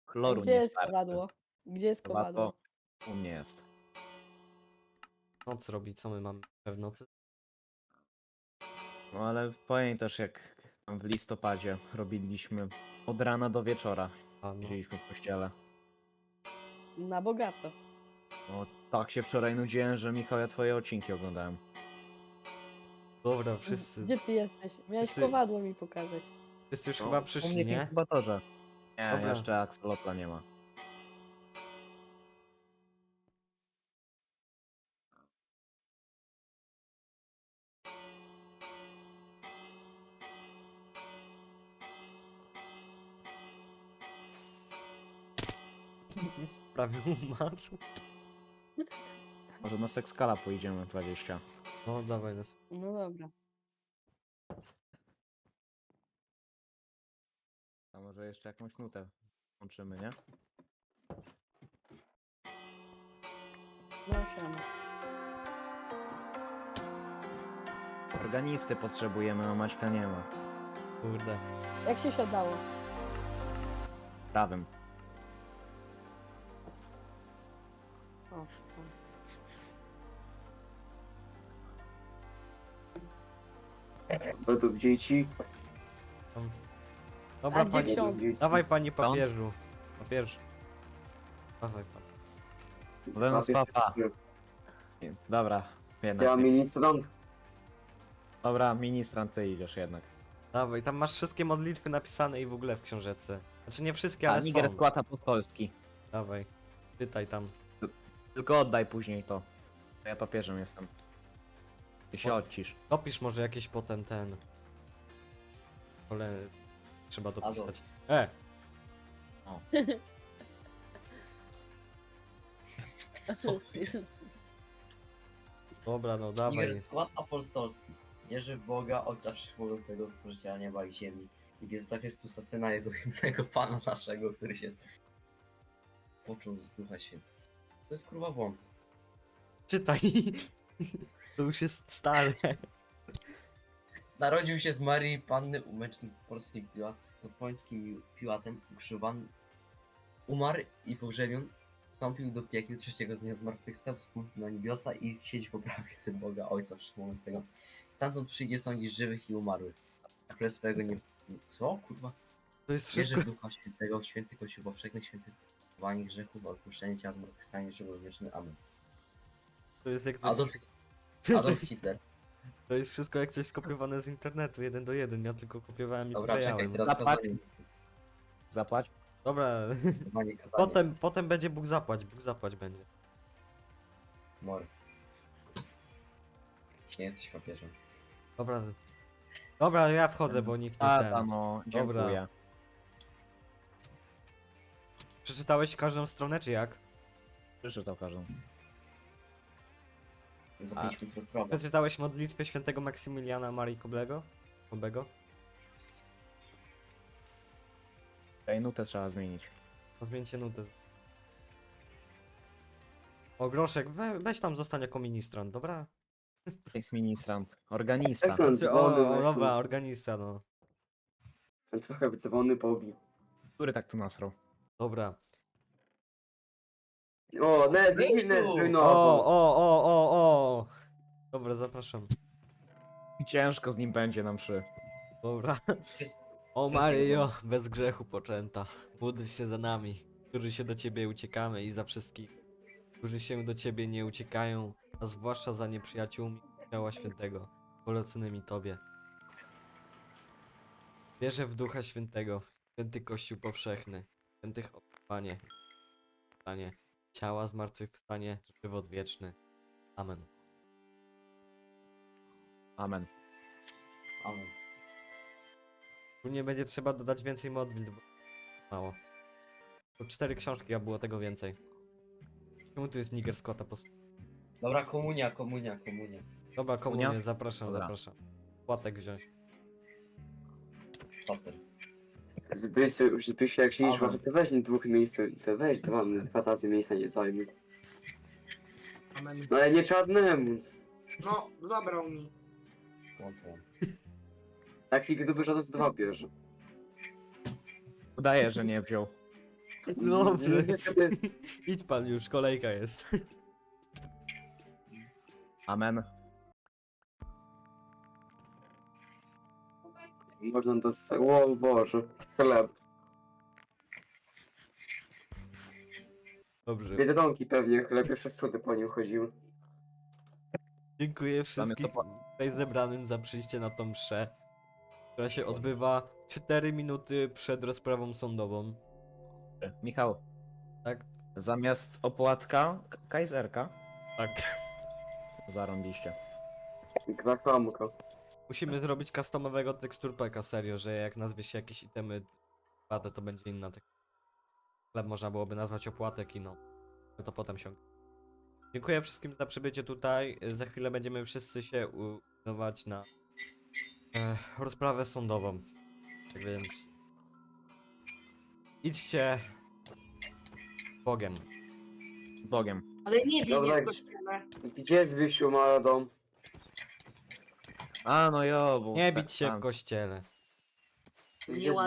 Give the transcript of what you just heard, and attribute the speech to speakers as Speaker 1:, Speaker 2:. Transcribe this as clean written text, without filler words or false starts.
Speaker 1: Chloru
Speaker 2: Gdzie
Speaker 1: nie
Speaker 2: jest
Speaker 1: starczy.
Speaker 2: kowadło? Gdzie jest kowadło?
Speaker 1: Kowadło u mnie jest.
Speaker 3: Noc robi, co my mamy w nocy?
Speaker 1: No ale pamiętasz jak tam w listopadzie robiliśmy od rana do wieczora.
Speaker 3: A no,
Speaker 1: Siedzieliśmy w kościele.
Speaker 2: Na bogato.
Speaker 1: No tak się wczoraj nudziłem, że Michał, ja twoje odcinki oglądałem.
Speaker 3: dobra, wszyscy
Speaker 2: Gdzie ty jesteś? Miałeś
Speaker 3: Wszyscy-
Speaker 2: kowadło mi pokazać.
Speaker 3: już
Speaker 1: No,
Speaker 3: chyba
Speaker 1: u
Speaker 3: przyszli,
Speaker 1: mnie w
Speaker 3: nie?
Speaker 1: inkubatorze. Nie,
Speaker 3: Dobra.
Speaker 1: jeszcze Axolotla nie ma.
Speaker 3: Prawie umarł.
Speaker 1: Może na Sexkala pojedziemy 20.
Speaker 3: No dawaj nas.
Speaker 2: No dobra.
Speaker 1: A może jeszcze jakąś nutę łączymy, nie?
Speaker 2: No siema.
Speaker 1: Organisty potrzebujemy, a Maćka nie ma.
Speaker 3: Kurde.
Speaker 2: Jak się siadało?
Speaker 1: Prawym.
Speaker 2: O.
Speaker 4: Według dzieci.
Speaker 3: Dobra,
Speaker 2: A gdzie
Speaker 3: pani.
Speaker 2: ksiądz?
Speaker 3: Dawaj pani
Speaker 1: Ksiądz?
Speaker 3: papieżu. Papież. Dawaj pan.
Speaker 1: Wenos papa. Dobra, jednak.
Speaker 4: Ja ministrant.
Speaker 1: Dobra, ministrant, ty idziesz jednak.
Speaker 3: Dawaj, tam masz wszystkie modlitwy napisane i w ogóle w książeczce. Znaczy nie wszystkie,
Speaker 1: A
Speaker 3: ale
Speaker 1: Niger
Speaker 3: są.
Speaker 1: skład apostolski.
Speaker 3: Dawaj. Czytaj tam.
Speaker 1: Tylko oddaj później to. Ja papieżem jestem. Ty się
Speaker 3: O.
Speaker 1: odcisz.
Speaker 3: Dopisz może jakieś potem ten. Ale trzeba
Speaker 5: Adolf.
Speaker 3: dopisać. Dobra, no dawaj.
Speaker 5: Niger skład apostolski. Wierzy w Boga, Ojca Wszechmogącego, Stworzyciela nieba i ziemi. I w Jezusa Chrystusa, Syna Jego jednego Pana naszego, który się począł z Ducha Świętego. To jest kurwa błąd.
Speaker 3: Czytaj. To już jest stare.
Speaker 5: Narodził się z Marii Panny umęcznym polskim Piłat, pod pońskim Piłatem, ukrzyżowany, umarł i pogrzebion, wstąpił do piekieł, trzeciego z dnia zmartwychwstał, wstąpił na niebiosa i siedzi po prawicy Boga Ojca Wszechmogącego. Stamtąd przyjdzie sądzić żywych i umarłych. A królestwego nie... Co? Kurwa?
Speaker 3: To jest
Speaker 5: Wierzy
Speaker 3: wszystko.
Speaker 5: w Ducha Świętego, w święty Kościół powszechny, świętowanie grzechów, odpuszczenie ciała, zmartwychwstanie, żywot wieczny. Amen.
Speaker 3: To jest jak
Speaker 5: Adolf Hitler.
Speaker 3: To jest wszystko jak coś skopiowane z internetu, 1 do 1. Ja tylko kopiowałem i
Speaker 5: Dobra, czekaj,
Speaker 3: wklejałem.
Speaker 5: teraz
Speaker 1: Zapłać.
Speaker 5: kazanie.
Speaker 1: Zapłać.
Speaker 3: Dobra,
Speaker 5: Kazanie, kazanie.
Speaker 3: potem będzie Bóg zapłać będzie.
Speaker 5: Mor. Nie jesteś papieżem.
Speaker 3: Dobra. Dobra, ja wchodzę, bo nikt nie
Speaker 1: Tata,
Speaker 3: ten.
Speaker 1: no, dziękuję.
Speaker 3: Przeczytałeś każdą stronę, czy jak?
Speaker 1: Przeczytał każdą.
Speaker 5: Za 5 minut rozprawa.
Speaker 3: Przeczytałeś modlitwę świętego Maksymiliana Marii Kobego?
Speaker 1: Tej nutę trzeba zmienić.
Speaker 3: No zmieńcie nutę. O, Groszek, weź tam zostań jako ministrant, dobra?
Speaker 1: Ministrant. Organista.
Speaker 4: Jak on dzwony,
Speaker 3: Dobra, organista, no.
Speaker 4: Ten trochę wycofany pobi.
Speaker 1: Który tak tu nasrał?
Speaker 3: Dobra.
Speaker 4: O, ne,
Speaker 5: Wyjdź
Speaker 4: ne,
Speaker 5: tu!
Speaker 4: no.
Speaker 3: O. Dobra, zapraszam.
Speaker 1: Ciężko z nim będzie na mszy.
Speaker 3: Dobra.
Speaker 5: Jest-
Speaker 3: O Maryjo, bez grzechu poczęta, módl się za nami, którzy się do Ciebie uciekamy i za wszystkich, którzy się do Ciebie nie uciekają, a zwłaszcza za nieprzyjaciółmi ciała świętego, poleconymi Tobie. Wierzę w Ducha Świętego, święty Kościół powszechny, świętych Panie, ciała zmartwychwstanie, żywot wieczny. Amen.
Speaker 1: Amen.
Speaker 5: Amen.
Speaker 3: Tu nie będzie trzeba dodać więcej modlitw, bo mało. To 4 książki, a było tego więcej. Czemu tu jest Niger Scotta?
Speaker 5: Dobra, komunia.
Speaker 3: Dobra, komunię,
Speaker 1: Komunia?
Speaker 3: zapraszam. Płatek wziąć.
Speaker 5: Paster.
Speaker 4: Żebyś jak się nie
Speaker 5: Amen.
Speaker 4: szła, to weź nie dwóch miejsc, to weź dwa razy miejsca nie zajmie.
Speaker 6: Amen.
Speaker 4: No ale nie czarnemu.
Speaker 6: No, zabrał mi.
Speaker 4: Tak chwilę to dużo to dwa bierze.
Speaker 1: Udaje, że nie wziął.
Speaker 3: No dobrze.
Speaker 4: Niestety,
Speaker 3: Idź pan już, kolejka jest.
Speaker 1: Amen.
Speaker 4: można dostać. O Boże, chleb. Z
Speaker 3: Dobrze.
Speaker 4: Biedronki pewnie chleb, jeszcze sprzody po nim chodziły.
Speaker 3: Dziękuję wszystkim tutaj zebranym za przyjście na tą mszę, która się odbywa 4 minuty przed rozprawą sądową.
Speaker 1: Michał,
Speaker 3: Tak?
Speaker 1: zamiast opłatka, kajzerka.
Speaker 3: Tak.
Speaker 1: Zarąbiście.
Speaker 4: Kraklamka.
Speaker 3: Musimy zrobić customowego tekstur packa, serio, że jak nazwie się jakieś itemy opłatę, to będzie inna tekstura. Chleb można byłoby nazwać opłatek i no. To potem się. Dziękuję wszystkim za przybycie tutaj. Za chwilę będziemy wszyscy się udawać na rozprawę sądową. Tak więc idźcie Bogiem.
Speaker 1: Bogiem.
Speaker 6: Ale nie bij
Speaker 4: Dobra.
Speaker 6: mnie w kościele.
Speaker 4: Gdzie jest Wysiu ma dom?
Speaker 1: A no jo, bo...
Speaker 3: Nie bić się
Speaker 1: tam.
Speaker 3: w kościele.
Speaker 4: Gdzie jest